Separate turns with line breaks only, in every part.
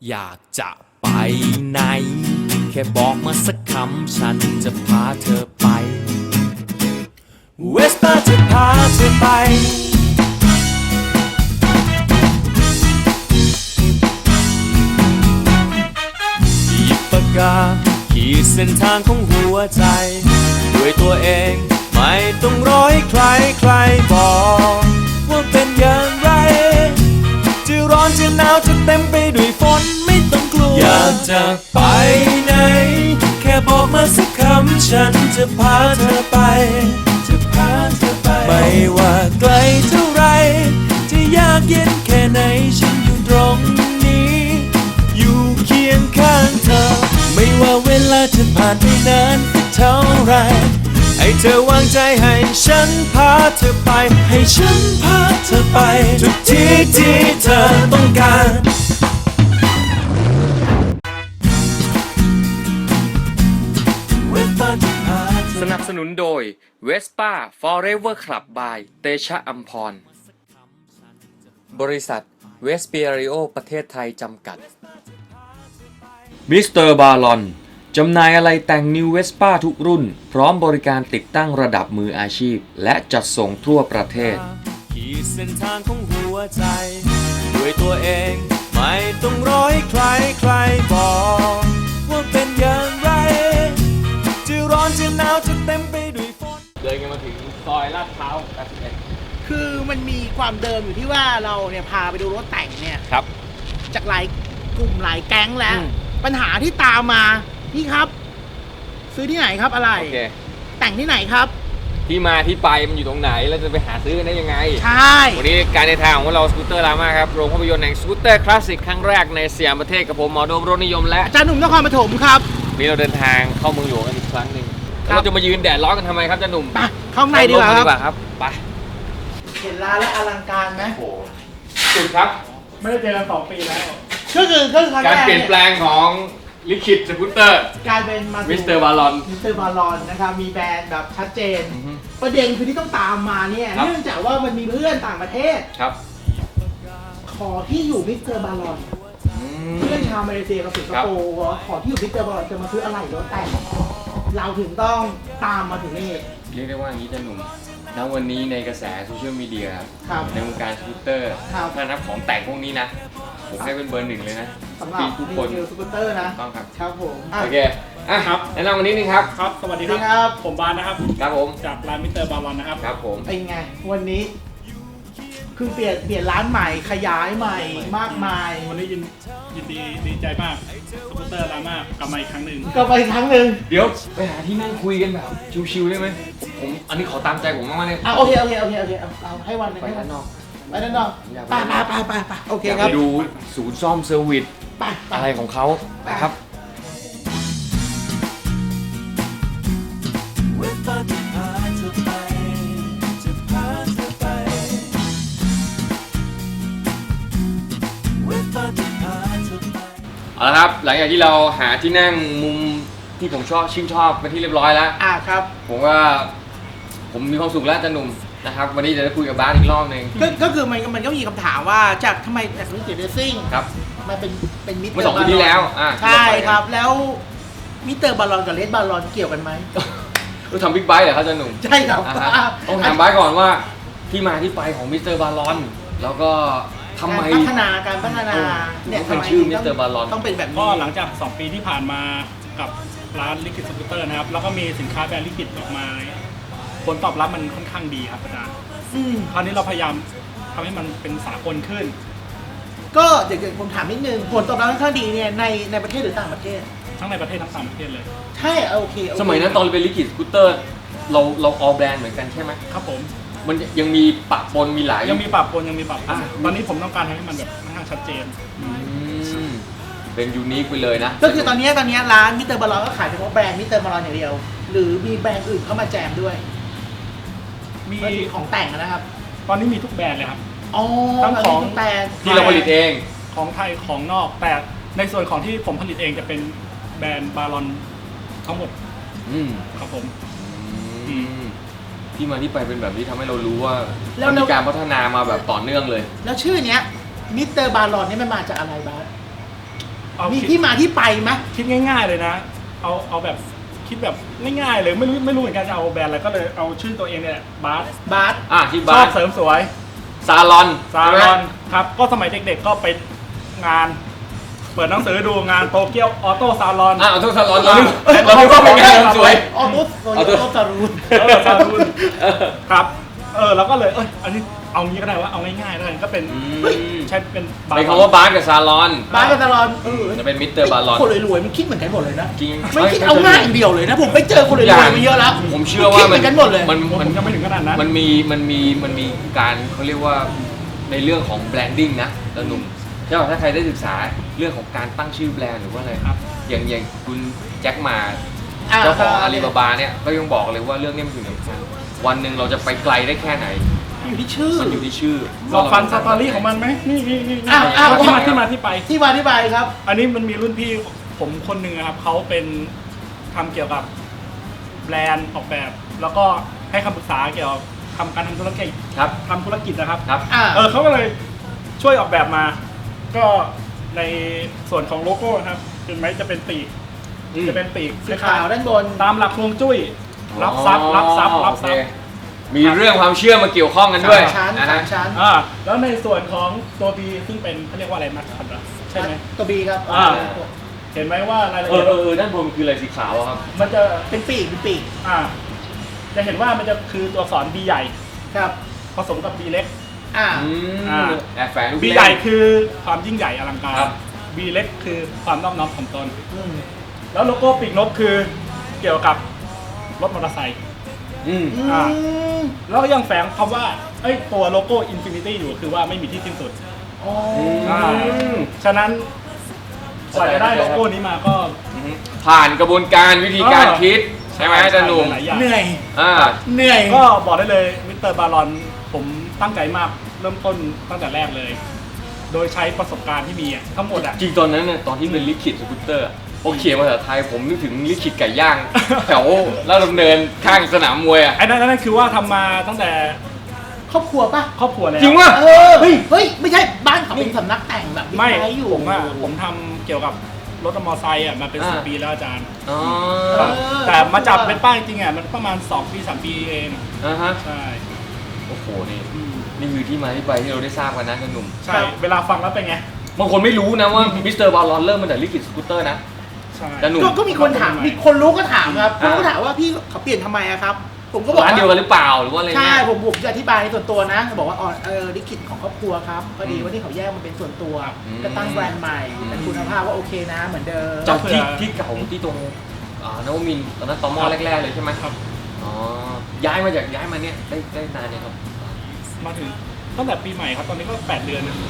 อยากจะไปไหนแค่บอกมาสักคำฉันจะพาเธอไปเวสป้าจะพาเธอไปหยิบปากกาขีดเส้นทางของหัวใจด้วยตัวเองไม่ต้องรอให้ใครบอกว่าเป็นอย่างไรจะร้อนจะหนาวจะเต็มไปด้วยฝนไม่ต้องกลัวอยากจะไปไหนแค่บอกมาสักคำฉันจะพาเธอไปไม่ว่าไกลเท่าไรจะยากเย็นแค่ไหนฉันอยู่ตรงนี้อยู่เคียงข้างเธอไม่ว่าเวลาจะผ่านไปนานเท่าไรให้เธอวางใจให้ฉันพาเธอไปให้ฉันพาเธอไปทุกที่ที่เธอต้องการสนับสนุนโดย Vespa Forever Club by เตชะอัมพรบริษัทเวสเปียริโอประเทศไทยจำกัดมิสเตอร์บาลอนจำหน่ายอะไรแต่งนิวเวสป้าทุกรุ่นพร้อมบริการติดตั้งระดับมืออาชีพและจัดส่งทั่วประเทศขีดเส้นทางของหัวใจด้วยตัวเองไม่ต้องรอให้ใครบอกว่าเป็นอย่างไรจะร้อนจะหนาวจะเต็มไปด้วยฝนเดินกันมาถึงซอยลาดพร้าว81
คือมันมีความเดิมอยู่ที่ว่าเราเนี่ยพาไปดูรถแต่งเนี่ย
ครับ
จากหลายกลุ่มหลายแก๊งแล้วปัญหาที่ตามมาพี่ครับซื้อที่ไหนครับอะไร
okay.
แต่งที่ไหนครับ
ที่มาที่ไปมันอยู่ตรงไหนแล้วจะไปหาซื้อกันได้ยังไง
ใช่
วันนี้การเดินทางของเราสกูตเตอร์รามาครับโรงภาพยนตร์แห่งสกูตเตอร์คลาสสิกครั้งแรกในสยามประเทศกับผมหมอโดมรถนิยมและ
อาจารย์หนุ่มนครปฐมครับ
นี่เราเดินทางเข้าเมืองหลวงกันอีกครั้งหนึ่งเราจะมายืนแดดร้อนกันทำไมครับอาจารย์หนุ่ม
ไปเข้าในดีกว่า
ครับไป
เห็นร้านแล้วอลังการไหม
โอ้สุดครับ
ไม่ได้เจอกัน2 ปีแล้วก็คือ
การเปลี่ยนแปลงของลิขิตสกูตเตอร์
กลายเป็นมา
มิสเตอร์บาล
อนนะครับมีแบรนด์แบบชัดเจนประเด็นคือที่ต้องตามมาเนี่ยเนื่องจากว่ามันมีเพื่อนต่างประเทศ
ครับ
ขอที่อยู่มิสเตอร์บาลอนเพื่อนชาวมาเลเซียกับสิงคโปร์ขอที่อยู่มิสเตอร์บาลอนจะมาซื้ออะไรรถแต่งเราถึงต้องตามมาถึงนี่
เรียกได้ว่าอย่างนี้จะหนุ่มณวันนี้ในกระแสโซเชียลมีเดียในวงการสกูตเตอร์ถ้านับของแต่งพวกนี้นะผมให้เป็นเบอร์ 1เลยนะ
สำหรับ
ทุกคน
สกูตเตอร์นะ
ต้องครับ
ครับผม
โอเคครับแนะนำวันนี้นึงครับ
ครับสวัสดีครับผมบานนะครับ
ครับผม
จากร้านมิสเตอร์บาลอนนะครับ
ครับผม
เป็นไงวันนี้คือเปลี่ยนร้านใหม่ขยายใหม่มากมาย
วันนี้ยินดีใจมากสกูตเตอร์รามากลับมาอีกครั้งหนึ่ง
เดี๋ยวไปหาที่นั่งคุยกันแบบชิวๆได้ไหมผมอันนี้ขอตามใจผมมากๆเลย
โอเคเอาให้วันนึง
ไปด้านนอก
ไปโอเคครับ
ไปดูศูนย์ซ่อมเซอร์วิสอะไรของเขาไปครับเอาละครับหลังจากที่เราหาที่นั่งมุมที่ผมชื่นชอบเป็นที่เรียบร้อยแล้ว
ครับ
ผมมีความสุขแล้วอาจารย์หนุ่มนะครับวันนี้จะได้คุยกับบาสอีกรอบนึง
ก็คือมันก็มีคำถามว่าจากทำไมจากมิสเตอร์เรซิ่ง
ครับ
มันเป็นมิสเตอร์
เมื่อ2 ปีที่แล้ว
ใช่ครับแล้วมิสเตอร์บาลอนกับเลดบาลอนเกี่ยวกันไหม
เราทำบิ๊กไบค์เหรอครับอาจารย์หนุ่ม
ใช่ครับ
ต้องถามบาสก่อนว่าที่มาที่ไปของมิสเตอร์บาลอนแล้วก็ทำไม
การพัฒนา
เนี่ยเป็นชื่อมิสเตอร์บาลอน
ต้องเป็นแบบนี้
ก็หลังจาก2 ปีที่ผ่านมากับร้านลิขิตสกูตเตอร์นะครับแล้วก็มีสินค้าแบรนด์ลิขิตออกมาผลตอบรับมันค่อนข้างดีครับอาจารย์คราวนี้เราพยายามทำให้มันเป็นสากลขึ้น
ก็เดี๋ยวผมถามนิดนึงผลตอบรับค่อนข้างดีเนี่ยในประเทศหรือต่างประเทศ
ทั้งในประเทศทั้งต่างประเทศเลย
ใช่โอเค
สมัยนั้นตอนเป็นลิขิตสกูตเตอร์เราออแบรนด์เหมือนกันใช่ไหม
ครับผม
มันยังมีปะปนมีหลาย
ยังมีปะปนตอนนี้ผมต้องการให้มันแบบค่อนข้างชัดเจน
เป็นยูนิคไปเลยนะ
ก็คือตอนนี้ร้านมิสเตอร์บาลอนก็ขายเฉพาะแบรนด์มิสเตอร์บาลอนอย่างเดียวหรือมีแบรนด์อื่นเข้ามาแจมด้วยมีของแต่งนะครับ
ตอนนี้มีทุกแบรนด์เลยครับ
ทั้งของ
แต่ที่เราผลิตเอง
ของไทยของนอกแต่ในส่วนของที่ผมผลิตเองจะเป็นแบรนด์บาลอนทั้งหมดครับผม
ที่มาที่ไปเป็นแบบนี้ทำให้เรารู้ว่ามีการพัฒนามาแบบต่อเนื่องเลย
แล้วชื่อเนี้ยมิสเตอร์บาลอนนี่มันมาจากอะไรบ้างมีที่มาที่ไปไหม
คิดง่ายๆเลยนะ เอาแบบคิดแบบง่ายๆเลยไม่รู้เหมือนกันจะเอาแบรนด์อะไรก็เลยเอาชื่อตัวเองเนี่ยบาส
บาส
ที่
ช
บ้า
อน บเสริมสวย
ซาลอน
ซาลอนครับก็สมัยเด็กๆก็ไปงาน เปิดหนังสือดูงานโตเกียวออโต้ซาลอน
ออโต้ซาลอนเราก็เป็นงานเสริมสวย
ออโต้ซารูน
ซาลูนครับเราก็เลยอันนี้เอางี้ก็ได้ว่าเอาง่ายๆแล้วกันก็เป็นใช้เป็น
เป็นคำว่าบาสกับซาลอน
บาสกับซาลอน
จะเป็นมิสเตอร์บาลอน
คนรวยๆมันคิดเหมือนกันหมดเลยนะ
จริง
ไม่คิดเอาง่ายอย่างเดียวเลยนะผมไปเจอคนรวยๆมาเยอะแล้ว
ผมเชื่อว่า
คิดเหมือนกันหมดเลย
มันยังไม่ถึงขนาดนั้น
มันมีการเขาเรียกว่าในเรื่องของแบรนดิ้งนะแล้วหนุ่มถ้าใครได้ศึกษาเรื่องของการตั้งชื่อแบรนด์หรือว่าอะไร
ครับ
อย่างคุณแจ็คหมาเจ้าของอาลีบาบาเนี่ยก็ยังบอกเลยว่าเรื่องนี้มันถึงสำคัญวันหนึ่งเราจะไปไกลได้แค่ไหน
อยู่ที่ชื่อ
มันอยู่ที่ชื่อ
เราฟังสตอรี่ของมันไหมนี่ ที่มาที่ไป
ที่มาที่ไปครับ
อันนี้มันมีรุ่นพี่ผมคนหนึ่งครับเขาเป็นทำเกี่ยวกับแบรนด์ออกแบบ แล้วก็ให้คำปรึกษาเกี่ยวกับการทำธุรกิจ
ครับ
ทำธุรกิจนะครับ
ครับ
เขาก็เลยช่วยออกแบบมา ก็ในส่วนของโลโก้นะครับเห็นไหมจะเป็นปีกจะเป็นปีก
สีขาวด้านบน
ตามหลักฮวงจุ้ยรับทรัพย์รับทรัพย์รับทรัพย์
มีเรื่องความเชื่อมาเกี่ยวข้องกันด้วย
ชั้น
นะฮะ
ชั้น
แล้วในส่วนของตัว B ซึ่งเป็นเขาเรียกว่าอะไรมาครับใช่ไหม
ตัวบีครับ
เห็นไหมว่ารายละ
เอ
เอียด
อด้านบนคืออะไรสีขาวอะครับ
มันจะ
เป็นปีกเป็นปีก
จะเห็นว่ามันจะคือตัวอักษร B ใหญ่
ครับ
ผสมกับ B เล็ก
แอบแฝงลูก
B ใหญ่คือความยิ่งใหญ่อลังการ
ครับ
B เล็กคือความนอบน้อมถ่อมตน
อืม
แล้วโลโก้ปีกนกคือเกี่ยวกับรถมอเตอร์ไซค์
อืม
แล้วก็ยังแฝงคำว่าตัวโลโก้ Infinity อยู่คือว่าไม่มีที่สิ้นสุด
อ๋อ
ฉะนั้นกว่าจะได้โลโก้นี้มาก็
ผ่านกระบวนการวิธีการคิดใช่ไหมอาจารย์หนุ่ม
หลายอย่าง
เหนื่อย
อ่า
เหนื่อย
ก็บอกได้เลยมิสเตอร์บารอนผมตั้งใจมากเริ่มต้นตั้งแต่แรกเลย โดยใช้ประสบการณ์ที่มีทั้งหมด
จริงตอนนั้นเนี่ยตอนที่เป็นลิขิตสกูตเตอร์พอเขียนภาษาไทยผมนึกถึงลิขิตไก่ย่าง แถวลาดดำเนินข้างสนามมวยอ่ะ
ไอ้นั่นคือว่าทำมาตั้งแต่
ครอบครัวป่ะ
ครอบครัวแล้ว
จริงวะ
เฮ้ยไม่ใช่บ้านเขาเป็นสำนักแต่งแบบ
ไม่
ใช้อยู่
ผมทำเกี่ยวกับรถมอเตอร์ไซค์มาเป็น10 ปีแล้วอาจารย์
อ๋อ
แต่มาจับเป็นป้ายจริงๆมันประมาณ2 ปี 3 ปีเอง
ฮะ
ใช่
โอ้โหนี่คือที่มาที่ไปที่เราได้ทราบกันนะอาจารย์หนุ่ม
ใช่เวลาฟังแล้วเป็นไง
บางคนไม่รู้นะว่ามิสเตอร์บาลอนเริ่มมาจากลิขิตสกูตเตอร์นะ
ใช่
แต่หนุ่ม
ก็มีคนถามมีคนรู้ก็ถามครับ
อ่า
คนก็ถามว่าพี่เขาเปลี่ยนทำไมอะครับ ผมก็บอก
ร้านเดียวกัน
ว่า
หรือเปล่าหรือว่าอะไร
ใช่
เนี่ย
ผมจะอธิบายในส่วนตัวนะบอกว่าลิขิตของครอบครัวครับพอดีว่าที่เขาแยกมันเป็นส่วนตัวก็ตั้งแบรนด์ใหม่แต่คุณภาพว่าโอเคนะเหมือนเดิม
จากที่เก่าที่ตรงนวมินทร์ตอนนั้นตอมอแรกๆเลยใช่ไหม
ครับ
อ๋อย้ายมาเนี่ยได้นานเนี่ยครับ
มาถึงตั้งแต่ปีใหม่ครับ ตอนนี้ก็8 เดือนนะ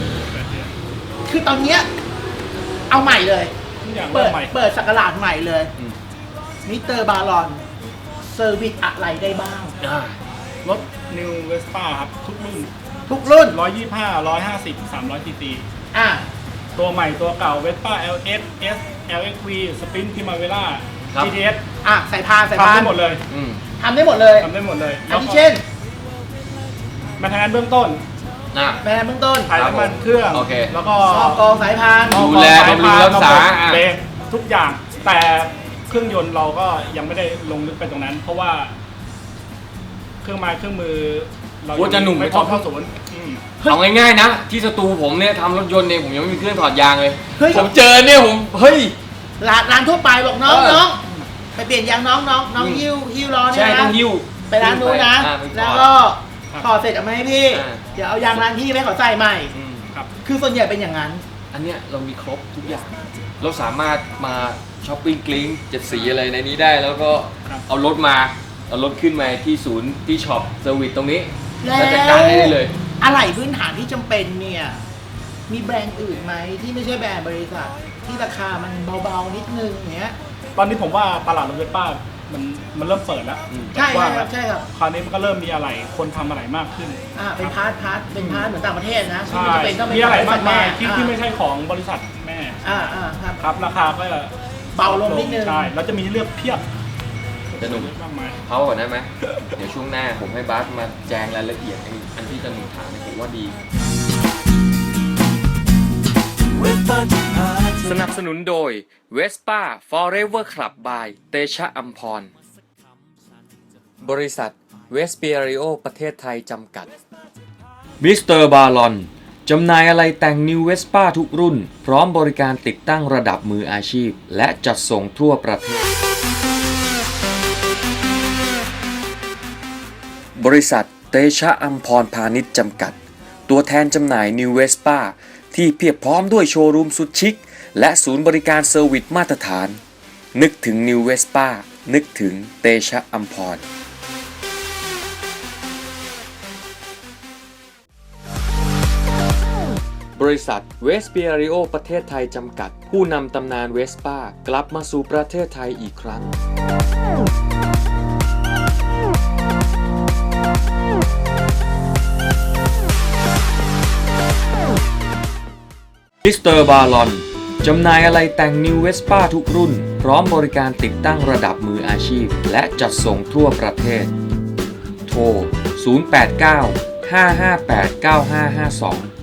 8 เดือน
คือตอนเนี้ยเอาใหม่เลย
ทุกอย่าง
เปิ
เริ่
ด
มใหม่
เปิดสักราชใหม่เลย
อืม
มิสเตอร์บารอนเซอร์วิสอะไรได้บ้าง
รถ New Vespa ครับ ทุกรุ่น
ทุกรุ่น
125 150 300 cc
อ่ะ
ตัวใหม่ตัวเก่า Vespa LS S LXV Sprint Primavera
ครับ
GTS
อ่ะใส่พาน
ทำได้หมดเลย
อืม
ทำได้หมดเลย
ทำได้หมดเลย
อันที่เช่น
มาทำงานเบื้องต้น
แบรนด์เบื้องต้น
ถ่ายน้ำมันเครื่อง
โอเค
แล้วก็
ซอกกองสายพาน
ดูแลบำรุงรักษา
เบรกทุกอย่าง แต่เครื่องยนต์เราก็ยังไม่ได้ลงลึกไปตรงนั้น เพราะว่า เครื่องไม้เครื่องมือเรา
โอ้จะหนุ่ม
ไม่
ไม่
พ
ช
ร้
อ
อบ มเข้าศูนย์
เอาง่ายๆนะ ที่สตูผมเนี่ยทำรถยนต์เนี่ยผมยังไม่มีเครื่องถอดยางเลย
เฮ้ย
ผมเจอเนี่ยผมเฮ้ย
ร้านทั่วไปบอกน้อง
เออ
น้องไปเปลี่ยนยางน้องหิ้วล้อเนี่
ใช่
ย
ต้อ
นะ
งหิ้ว
ไปร้านนู้นนะ
ไปถอด
แล้วก็ถอดเสร็จเอามาให้พี่
อ่า
เดี๋ยวเอายางร้านพี่ไปขอใส่ใหม่
อืม
ครับ
คือส่วนใหญ่เป็นอย่างนั้น
อันเนี้ยเรามีครบทุกอย่าง เราสามารถมาช้อปปิ้งกลิ้ง7 สีอะไรในนี้ได้ แล้วก็
ครับ
เอารถขึ้นมาที่ศูนย์ที่ช็อปเซอร์วิสตรงนี้
แล้ว
แล้วจัดการให้ได้เลย
อะไรพื้นฐานที่จำเป็นเนี่ย มีแบรนด์อื่นไหมที่ไม่ใช่แบรนด์บริษัท ที่ราคามันเบาๆนิดนึงอย่างเงี้ย
ตอนนี้ผมว่าตลาดรถเวสป้ามันเริ่มเปิดแล้ว
ใช่
กว้าง
ค
แล้
รั
ว
บใช่ครับ
คราวนี้มันก็เริ่มมีอะไรคนทำอะไรมากขึ้น
เป็นพาร์ทเป็นพาร์ทเหมือนต่างประเทศนะที่
ใช่
มันจะเป็นต้องเป็น
มีอะไร
บ
มากมาย
ริษัทแ
ที่ไม่ใช่ของบริษัทแม่
ครับ
ครับ ราคาก็จะ
เบาลงนิดนึง
ใช่แล้วจะมีเลือกเพียบ
จะหนุ่ม
มากมาย
เขาก่อนได้ไหม เดี๋ยวช่วงหน้าผมให้บาสมาแจงรายละเอียดอันที่จะหนุ่มถามเนี่ยผมว่าดีสนับสนุนโดย Vespa Forever Club by เตชะอัมพร บริษัทเวสเปียริโอประเทศไทยจำกัดมิสเตอร์บาลอนจำหน่ายอะไรแต่ง New Vespa ทุกรุ่นพร้อมบริการติดตั้งระดับมืออาชีพและจัดส่งทั่วประเทศบริษัทเตชะอัมพรพาณิชย์จำกัดตัวแทนจำหน่าย New Vespa ที่เพียบพร้อมด้วยโชว์รูมสุดชิคและศูนย์บริการเซอร์วิสมาตรฐานนึกถึง New Vespa นึกถึงเตชะอัมพรบริษัทเวสเปียริโอประเทศไทยจำกัดผู้นำตำนานเวสป้ากลับมาสู่ประเทศไทยอีกครั้งมิสเตอร์บาลอนจำหน่ายอะไรแต่ง New Vespa ทุกรุ่นพร้อมบริการติดตั้งระดับมืออาชีพและจัดส่งทั่วประเทศโทร 089 558 9552